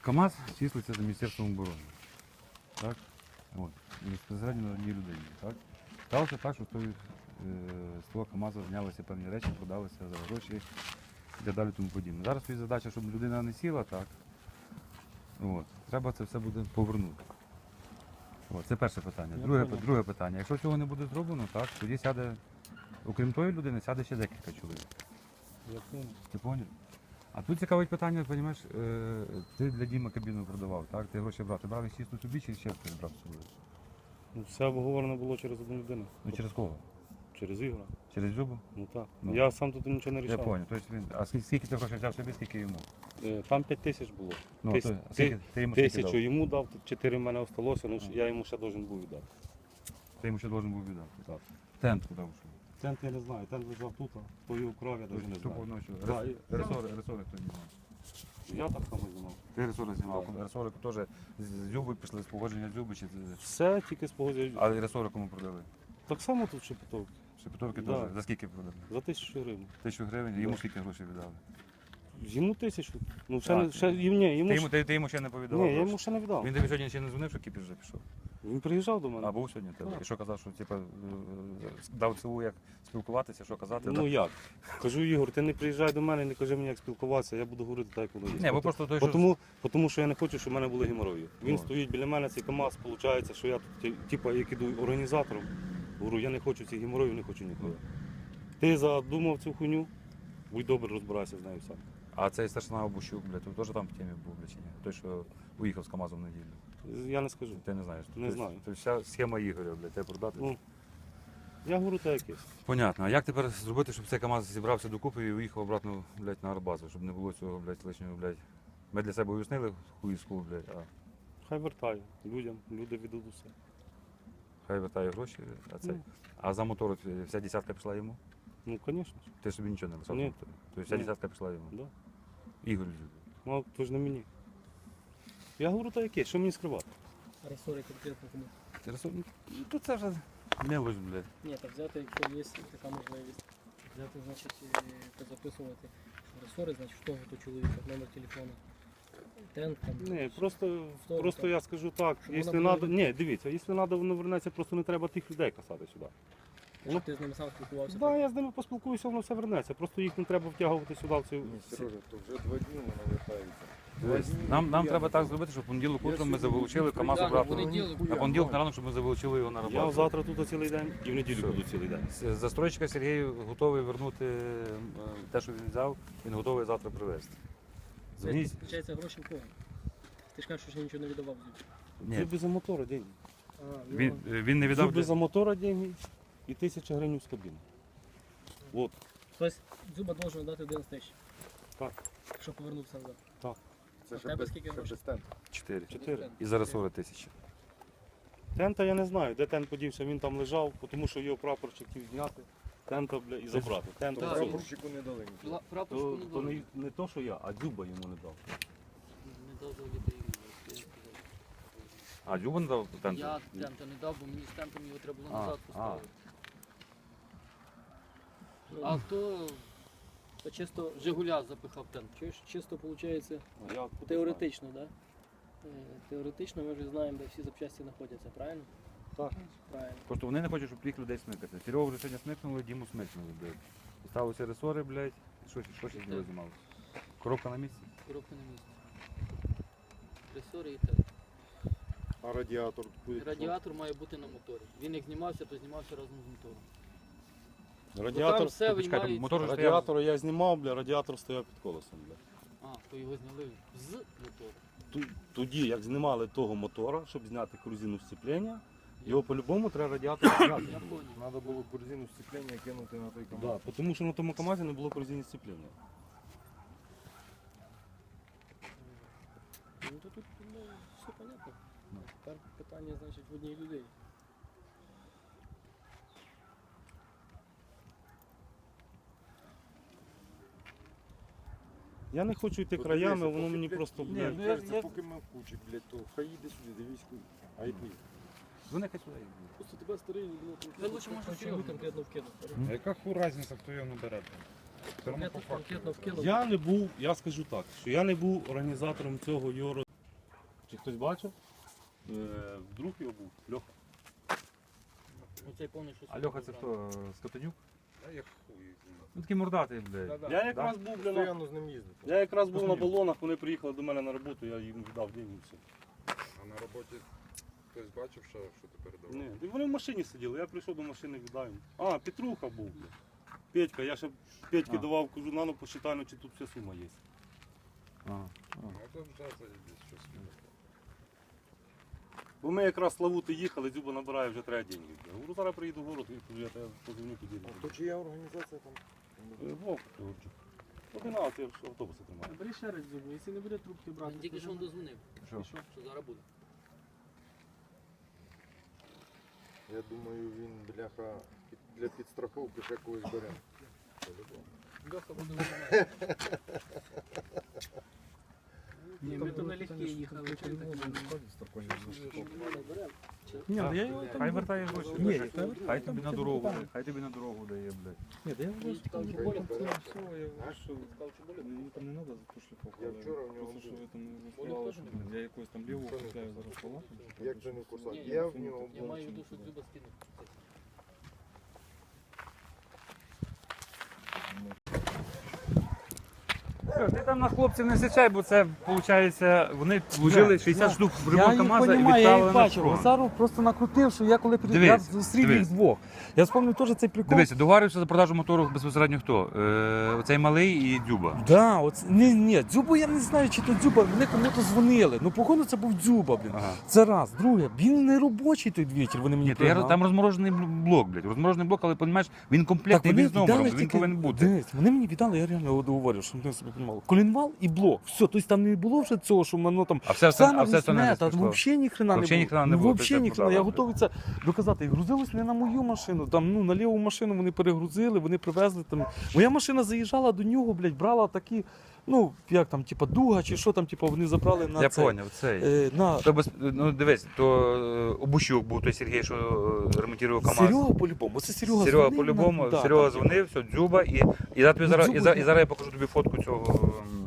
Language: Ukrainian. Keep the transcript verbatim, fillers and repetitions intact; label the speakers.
Speaker 1: КАМАЗ числиться за Міністерством оборони. Так? От. І безпосередньо на одній людині. Так? Сталося так, що з, той, е, з того КАМАЗу знялися певні речі, продалися за гроші і так далі тому подібне. Зараз є задача, щоб людина не сіла, так? От. Треба це все буде повернути. От. Це перше питання. Друге, друге питання. Якщо цього не буде зроблено, так, тоді сяде, окрім тої людини, сяде ще декілька чоловік.
Speaker 2: Я понял.
Speaker 1: Ти поняв? А тут цікавить питання, розумієш, ти для Діма кабіну продавав, так? Ти гроші брав. Ти брав їх чисто собі чи ще хтось брав з собою?
Speaker 2: Ну, все обговорено було через одну людину.
Speaker 1: Ну через кого?
Speaker 2: Через Ігора.
Speaker 1: Через Любу?
Speaker 2: Ну так.
Speaker 1: Ну.
Speaker 2: Я сам тут нічого не
Speaker 1: Я
Speaker 2: рішав.
Speaker 1: понял. Тобто він... А скільки, скільки ти грошей взяв собі, скільки йому?
Speaker 2: Е, Там п'ять тисяч було.
Speaker 1: Ну,
Speaker 2: Тис-
Speaker 1: то, а скільки, ти йому скільки
Speaker 2: Тисячу
Speaker 1: дав?
Speaker 2: йому дав, чотири в мене осталося, ну я йому ще должен був віддати.
Speaker 1: Ти йому ще должен був віддати.
Speaker 2: Так.
Speaker 1: Тент куди вийшов?
Speaker 2: Тент я не знаю, тент лежав тут, а по його крові я навіть не
Speaker 1: Тупо
Speaker 2: знаю.
Speaker 1: ночі.
Speaker 2: Да,
Speaker 1: Рес-
Speaker 2: і-
Speaker 1: Ресори, ресори хто знімав?
Speaker 2: Я так само знімав.
Speaker 1: Ти ресори знімав.
Speaker 2: Да.
Speaker 1: Ресорику теж з Люби пішли, з погодження з Люби, чи...
Speaker 2: Все тільки з погодження.
Speaker 1: Але ресори кому продали?
Speaker 2: Так само тут шепетовки.
Speaker 1: Шепетовки
Speaker 2: Да.
Speaker 1: теж. За скільки продали?
Speaker 2: За тисячу гривень.
Speaker 1: Тисячу гривень, йому
Speaker 2: Да.
Speaker 1: скільки грошей віддали?
Speaker 2: Йому тисячу. Ну ще,
Speaker 1: Так.
Speaker 2: не, ще їм- ні, йому,
Speaker 1: Ти
Speaker 2: ж-
Speaker 1: йому, ти, ти йому ще не повідомив?
Speaker 2: ні, я
Speaker 1: гроші?
Speaker 2: йому ще не віддав.
Speaker 1: Він тобі сьогодні ще не дзвонив, що кіпіш вже пішов?
Speaker 2: Він приїжджав до мене.
Speaker 1: А був сьогодні в тебе?
Speaker 2: Так.
Speaker 1: І що казав, що типу, е, дав циву, як спілкуватися, що казати?
Speaker 2: Ну
Speaker 1: да?
Speaker 2: як? Кажу, Ігор, ти не приїжджай до мене, не кажи мені, як спілкуватися, я буду говорити так, як воно є.
Speaker 1: Ні, бо
Speaker 2: Бо
Speaker 1: просто той,
Speaker 2: Бо
Speaker 1: що...
Speaker 2: тому, бо тому що я не хочу, щоб в мене були геморої. Він
Speaker 1: О.
Speaker 2: стоїть біля мене, цей КАМАЗ, виходить, що я тут, ті- типа, як іду організатором, говорю, я не хочу цих геморроїв, не хочу нікого. Ти задумав цю хуйню, будь добре, розбирайся з нею сам.
Speaker 1: А цей старшина Обущук, блядь, він теж там в темі був, блядь, чи ні? Той, що уїхав з КАМАЗом в неділю.
Speaker 2: Я не скажу.
Speaker 1: Ти не знаєш?
Speaker 2: Не
Speaker 1: Тобто-
Speaker 2: знаю.
Speaker 1: Тобто вся схема Ігоря, блядь, тебе продати?
Speaker 2: Ну, я говорю так якесь.
Speaker 1: Понятно. А як тепер зробити, щоб цей КАМАЗ зібрався докупи і уїхав обратно, блядь, на Арбазу, щоб не було цього, блядь, лишнього, блядь. Ми для себе уяснили хуїску, блядь, а
Speaker 2: Хай вертає людям, люди віддадуть усе.
Speaker 1: хай вертає гроші, а цей.
Speaker 2: Ну.
Speaker 1: А за мотор вся десятка пішла йому?
Speaker 2: Ну, звісно ж.
Speaker 1: Ти собі нічого не лишав?
Speaker 2: Ні.
Speaker 1: Тобто вся
Speaker 2: Ні.
Speaker 1: десятка пішла йому?
Speaker 2: Да.
Speaker 1: Ігор.
Speaker 2: Ну, а то ж не мені. Я говорю так якесь, що мені скривати?
Speaker 3: Ресори конкретно кому.
Speaker 1: Ти розсуд... Ну, то це вже мелочь, блядь.
Speaker 3: Ні, так взяти, якщо є така можливість, взяти, значить, е, позаписувати, що ресори, значить, в того то чоловіка, номер телефону, тент, там.
Speaker 2: Ні, просто,
Speaker 3: Хто
Speaker 2: просто
Speaker 3: там?
Speaker 2: я скажу так,
Speaker 3: Щоб
Speaker 2: якщо
Speaker 3: вона була
Speaker 2: надо, ні, дивіться, якщо треба, воно вернеться, просто не треба тих людей касати сюди.
Speaker 3: Якщо ти з ними сам спілкувався,
Speaker 2: Так, да, я з ними поспілкуюся, воно все вернеться. Просто їх не треба втягувати сюди в цю.
Speaker 4: Ні, Сережа, то вже два дні воно вертається. Два
Speaker 1: Тобто
Speaker 4: дні,
Speaker 1: Нам, нам
Speaker 4: я
Speaker 1: треба
Speaker 4: не
Speaker 1: так
Speaker 4: знаю.
Speaker 1: зробити, щоб в понеділок
Speaker 4: Я
Speaker 1: утром ми
Speaker 4: сьогодні
Speaker 1: заволочили
Speaker 4: буду
Speaker 1: КАМАЗ
Speaker 3: Да,
Speaker 1: обратно.
Speaker 3: на понеділок.
Speaker 1: На понеділок на ранок, щоб ми заволочили його на
Speaker 2: Я
Speaker 1: роботу.
Speaker 2: завтра тут цілий день і в неділю
Speaker 1: Все.
Speaker 2: буду цілий день.
Speaker 1: З- Застройщика Сергій готовий вернути е, те, що він взяв, він готовий завтра привезти. Дзвоніть.
Speaker 3: Виходить, гроші в кого? Ти ж кажеш, що нічого не віддавав звідси.
Speaker 1: Ні,
Speaker 2: Зуби за мотора деньги.
Speaker 3: А, ну,
Speaker 1: він, він не віддав.
Speaker 2: Зуби за мотора деньги і тисяча гривень з кабіни. От,
Speaker 3: Тобто зуба должен дати одинадцять тисяч,
Speaker 2: так.
Speaker 3: щоб повернувся назад.
Speaker 4: Це
Speaker 3: А
Speaker 4: ще
Speaker 3: тебе
Speaker 4: без,
Speaker 3: скільки
Speaker 4: ще
Speaker 3: грошей?
Speaker 4: без тенту.
Speaker 1: Чотири.
Speaker 2: Чотири.
Speaker 1: І зараз сорок тисяч.
Speaker 2: Тента я не знаю, де тент подівся, він там лежав, тому що його прапорщик хотів зняти. Тента, бля, і забрати. Тента
Speaker 4: То
Speaker 3: Так.
Speaker 2: всього.
Speaker 4: прапорщику не дали нічого.
Speaker 3: Прапорщику
Speaker 2: То,
Speaker 3: не
Speaker 2: то
Speaker 3: дав.
Speaker 2: не, не то, що я, а Дзюба йому не дав.
Speaker 5: Не дав за дітей.
Speaker 1: А, Люба не дав тент?
Speaker 5: Я тента не дав, бо мені з тентом його треба було
Speaker 1: А,
Speaker 5: назад
Speaker 1: а.
Speaker 5: поставити.
Speaker 3: Ну,
Speaker 5: А хто
Speaker 3: то чисто,
Speaker 5: Жигуля запихав тент?
Speaker 3: чуєш, чисто виходить,
Speaker 2: А я откуда
Speaker 3: теоретично, да? Е, Теоретично ми вже знаємо, де всі запчасті знаходяться, правильно?
Speaker 2: Так.
Speaker 3: Правильно.
Speaker 1: Просто вони не хочуть, щоб їх людей смикати. Серегу вже сьогодні смикнули, Діму смикнули, блядь. Ставилися ресори, блядь. І що, що ще з нього знімалося? Коробка на місці?
Speaker 5: Коробка на місці. Ресори і тент.
Speaker 4: А радіатор буде.
Speaker 5: Радіатор має бути на моторі. Він як знімався, то знімався разом з мотором.
Speaker 2: знаю.
Speaker 5: Бо
Speaker 2: Радіатор,
Speaker 5: там все
Speaker 1: Почекайте,
Speaker 5: виймається.
Speaker 1: мотор вже стояв.
Speaker 2: радіатор я знімав, бля, радіатор стояв під колесом. Бля.
Speaker 5: А, то його зняли з мотора.
Speaker 2: Ту- Тоді, як знімали того мотора, щоб зняти корзину сцеплення, його по-любому треба радіатор зняти.
Speaker 5: Я понял.
Speaker 4: Треба було корзину сцеплення кинути на той КАМАЗ.
Speaker 2: Да, тому що на тому КАМАЗі не було корзини сцеплення.
Speaker 3: Ну то тут ну, все понятно. Тепер питання, значить, в одній людей.
Speaker 2: Я не хочу йти
Speaker 4: От
Speaker 2: краями,
Speaker 4: дивися,
Speaker 2: воно
Speaker 4: поки,
Speaker 2: мені
Speaker 4: блядь,
Speaker 2: просто,
Speaker 4: ні,
Speaker 2: бля,
Speaker 4: ну,
Speaker 1: я-
Speaker 4: кажеться,
Speaker 1: я-
Speaker 4: поки ми в кучі, блядь, то хай їде сюди, дивись, куди. А й поїде.
Speaker 1: Вони хай сюди.
Speaker 3: Просто тебе старий, ну,
Speaker 5: Ви лучше, може,
Speaker 3: конкретно,
Speaker 5: Серегу.
Speaker 3: конкретно вкинув.
Speaker 6: А яка ху разниця, хто його набере? Все одно
Speaker 3: Конкретно,
Speaker 6: по факту.
Speaker 3: конкретно вкинув.
Speaker 2: я не був, я скажу так, що я не був організатором цього його роз- Чи хтось бачив? Е, Друг його був, Льоха.
Speaker 5: Оцей повний, що
Speaker 1: А Льоха це хто? Скотанюк?
Speaker 4: А я хуй знаю.
Speaker 1: Ну такий мордатий, блядь.
Speaker 2: Я якраз був бля, на...
Speaker 4: Постоянно з ним їздити.
Speaker 2: Я якраз був на балонах, вони приїхали до мене на роботу, я їм віддав деньги і все.
Speaker 4: А на роботі хтось бачив, що, що ти передавав?
Speaker 2: Ні, і вони в машині сиділи, я прийшов до машини, віддав їм. А, Петруха був. Бля. Петька, я ще Петьки
Speaker 1: А.
Speaker 2: давав, кажу, на ну посчитай, ну, чи тут вся сума є.
Speaker 1: Ага.
Speaker 4: Ну то вже це десь щось.
Speaker 2: Бо ми якраз з Славути їхали, Дзюба набирає, вже треба деньги. Я говорю, зараз приїду в город, і кажу, я тебе позвоню поділю.
Speaker 4: А то чия організація там?
Speaker 2: Е, Вовк, Георгій. Одинадцять, я ж автобуси тримаю.
Speaker 3: Бери ще раз зубу, якщо не буде трубки брати.
Speaker 5: Він тільки
Speaker 3: то
Speaker 5: що
Speaker 3: вже-
Speaker 5: дозвонив,
Speaker 1: Що?
Speaker 3: Що?
Speaker 5: що зараз буде.
Speaker 4: Я думаю, він, бляха, під- для підстраховки ще когось бере. По-любому.
Speaker 5: Льоха буде вимагати.
Speaker 3: Ні, ми то налегке їхали. чи не так?
Speaker 6: Ні,
Speaker 1: Так.
Speaker 6: да я його там...
Speaker 1: Хай вертає гроші.
Speaker 6: Ні,
Speaker 1: блядь.
Speaker 6: хай вертає,
Speaker 1: Хай
Speaker 6: там
Speaker 1: тобі на
Speaker 6: це
Speaker 1: дорогу,
Speaker 6: питання.
Speaker 1: хай тобі на дорогу дає, блядь.
Speaker 6: Ні, да я вже
Speaker 5: Він
Speaker 6: сказав,
Speaker 5: сказав,
Speaker 6: що
Speaker 5: що
Speaker 6: болить,
Speaker 5: болить.
Speaker 6: там все, я
Speaker 4: А?
Speaker 6: що... Мені там не треба за ту шліфовку.
Speaker 4: Я
Speaker 6: але
Speaker 4: вчора в нього
Speaker 6: просто, що
Speaker 4: був.
Speaker 6: ви там не
Speaker 5: Болить
Speaker 6: розповідали,
Speaker 5: теж
Speaker 6: що
Speaker 5: не
Speaker 6: блін, я якось там ліву
Speaker 4: Що не
Speaker 6: купляю
Speaker 4: курсак?
Speaker 6: зараз палату.
Speaker 4: Як це не курсак?
Speaker 5: Ні,
Speaker 4: Я в нього
Speaker 5: Я
Speaker 4: був.
Speaker 5: маю в виду, що Дзюба скинув.
Speaker 1: Ти там на хлопців не сичай, бо це, виходить, вони вложили шістдесят штук в ремонт КамАЗа і відправили на фронт.
Speaker 6: Гусаров просто накрутив, що я коли
Speaker 1: Дивись,
Speaker 6: я зустрів
Speaker 1: дивись.
Speaker 6: їх двох. Я вспомнив теж цей прикол.
Speaker 1: Дивися, договарювався за продажу мотору безпосередньо хто? Е, оцей малий і Дзюба.
Speaker 6: Да, оце, ні, ні, Дзюбу я не знаю, чи то Дзюба, вони кому-то дзвонили. Ну, походу, це був Дзюба, блін.
Speaker 1: Ага.
Speaker 6: Це раз. Друге, він не робочий той двічі, вони мені
Speaker 1: Ні, то я,
Speaker 6: пригнали.
Speaker 1: там розморожений блок, блядь. Розморожений блок, але розумієш, він
Speaker 6: Так,
Speaker 1: комплектний,
Speaker 6: вони
Speaker 1: він з номером,
Speaker 6: віддали
Speaker 1: він
Speaker 6: тільки-
Speaker 1: повинен бути.
Speaker 6: Дивись, вони мені віддали, я реально говорю, що вони собі приймали. Колінвал і блок. Все, тобто там не було вже цього, що воно там
Speaker 1: А все, все, а все,
Speaker 6: це
Speaker 1: не
Speaker 6: там взагалі ні хрена не
Speaker 1: Вообще
Speaker 6: було.
Speaker 1: ні хрена не було, ти
Speaker 6: Взагалі
Speaker 1: це
Speaker 6: ні хрена.
Speaker 1: продала,
Speaker 6: Я
Speaker 1: блядь.
Speaker 6: готовий це доказати. І грузилось не на мою машину, там, ну, на ліву машину вони перегрузили, вони привезли там. Моя машина заїжджала до нього, блядь, брала такі, ну, як там, типа дуга чи що там, типа, вони забрали на
Speaker 1: Я
Speaker 6: цей,
Speaker 1: поняв, цей.
Speaker 6: е, на
Speaker 1: То без, ну дивись, то е, Обущук був той Сергій, що е, ремонтував КамАЗ.
Speaker 6: Серега по-любому. Це Серега
Speaker 1: Серега
Speaker 6: дзвонив,
Speaker 1: по-любому,
Speaker 6: да,
Speaker 1: Серега
Speaker 6: там,
Speaker 1: дзвонив, все, Дзюба, і, і, зараз тобі
Speaker 6: Ну,
Speaker 1: зараз, і,
Speaker 6: Дзюба
Speaker 1: зараз,
Speaker 6: є.
Speaker 1: і зараз я покажу тобі фотку цього м,